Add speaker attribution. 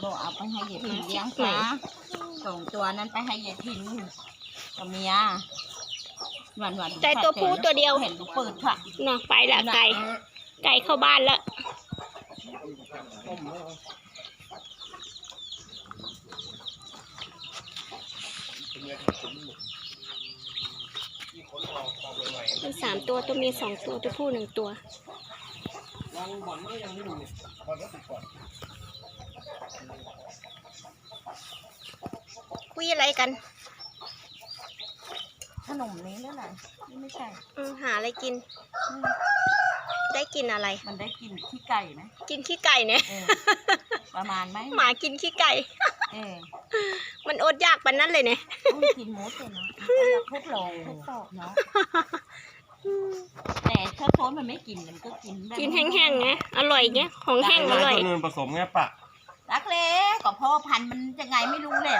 Speaker 1: บอกเอาไปให้ยายทินเลี้ยงซะส่งตัวนั้นไปให้ยายทินกับเมียวัน
Speaker 2: ใจตัวผู้ตัวเดียว
Speaker 1: เห็นลูกเปิดค่ะ
Speaker 2: เนาะไปละไก่เข้าบ้านแล้วมี3 ตัวตัวเมีย2 ตัวตัวผู้1 ตัวคุยอะไรกัน
Speaker 1: ขนมนี้แล้วไหนนี่ไม่ใช่
Speaker 2: หาอะไรกิน ได้กินอะไร
Speaker 1: มันได้กินขี้ไก่ไหม
Speaker 2: กินขี้ไก่เนี่ย
Speaker 1: ประมาณไหม
Speaker 2: หมากินขี้ไก่
Speaker 1: เออ
Speaker 2: มันอดอยากปานนั้นเลยเนี่ย
Speaker 1: ต้องกินหมดเลยเนาะทุกโลทุกตอกเนาะแต่ถ้าโซนมันไม่กินมันก็กินแบบ
Speaker 2: กินแห้งๆไงอร่อยไงของแห้งอร่อย
Speaker 3: ตัวนึงผสมไงปะ
Speaker 1: รักเล็กก็พ่อพันธุ์มันยังไงไม่รู้แหละ